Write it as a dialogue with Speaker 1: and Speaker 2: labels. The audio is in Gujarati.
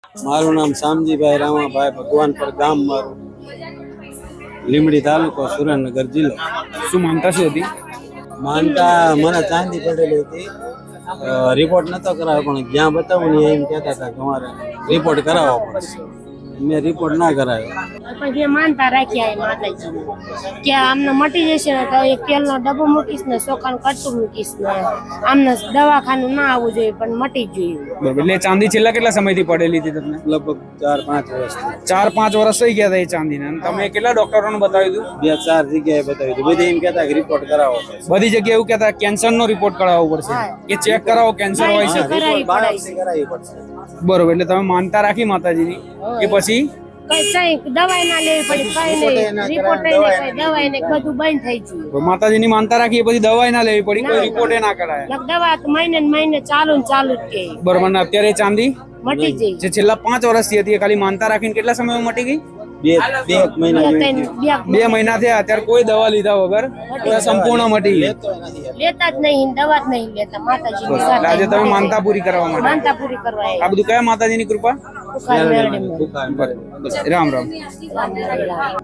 Speaker 1: મારું નામ શામજીભાઈ રામાભાઈ ભગવાનપર ગામ મારું, લીમડી તાલુકો, સુરેન્દ્રનગર જિલ્લો.
Speaker 2: શું માનતા શું હતી?
Speaker 1: માનતા મને ચાંદી પડેલી હતી. રિપોર્ટ નતો કરાવ્યો, પણ જ્યાં બતાવું ને એમ કહેતા હતા કે તમારે રિપોર્ટ કરાવવો પડશે. મેં રિપોર્ટ ના કરાવ્યો.
Speaker 3: પણ જે માનતા રાખ્યા એ માતાજી કે આમને મટી જશે ને તો એક તેલનો ડબ્બો મૂકીશ ને ચોખાનું કટકું મૂકીશ ને આમને દવાખાનું ના આવવું જોઈએ પણ મટી જ જોઈએ.
Speaker 2: બરોબર. એટલે ચાંદી છેલ્લા કેટલા સમયથી પડેલી હતી તમને?
Speaker 1: લગભગ 4-5 વર્ષથી.
Speaker 2: 4-5 વર્ષ થઈ ગયા હતા એ ચાંદીને. અને તમે કેટલા ડોક્ટરોને બતાવ્યું હતું?
Speaker 1: 2-4 જગ્યાએ બતાવ્યું હતું. બધી એમ કહેતા કે રિપોર્ટ કરાવો પડશે.
Speaker 2: બધી જગ્યાએ એવું કહેતા કેન્સરનો રિપોર્ટ કરાવવો પડશે કે ચેક કરાવો કેન્સર હોય છે.
Speaker 1: રિપોર્ટ બાયોપ્સી કરાવવી પડશે.
Speaker 2: બરોબર. એટલે તમે માનતા રાખી માતાજીની કે પછી
Speaker 3: કઈ દવાઈ ના લેવી પડી, કઈ નહીં રિપોર્ટ દવાઈ ને બધું બંધ થઈ ગયું.
Speaker 2: માતાજીની માનતા રાખી પછી દવાઈ ના લેવી પડી, કોઈ રિપોર્ટ ના કરાય.
Speaker 3: દવા તો મહિને ને મહિને ચાલુ ને ચાલુ જ કે.
Speaker 2: બરોબર. ને અત્યારે ચાંદી
Speaker 3: મટી જઈ
Speaker 2: જે છેલ્લા 5 વર્ષથી હતી એ ખાલી માનતા રાખીને કેટલા સમયમાં મટી ગઈ?
Speaker 1: 2 મહિના જેવી.
Speaker 2: 2 મહિના થયા. અત્યારે કોઈ દવા લીધા વગર સંપૂર્ણ મટી ગઈ.
Speaker 3: લેતા જ નહીં, દવા જ નહીં લેતા. માતાજી
Speaker 2: આજે તમે માનતા પૂરી કરવા માટે
Speaker 3: માનતા પૂરી કરવા
Speaker 2: આ બધું કયા માતાજીની કૃપા?
Speaker 3: આવ્યા.
Speaker 2: રામ રામ.
Speaker 3: રામ રામ.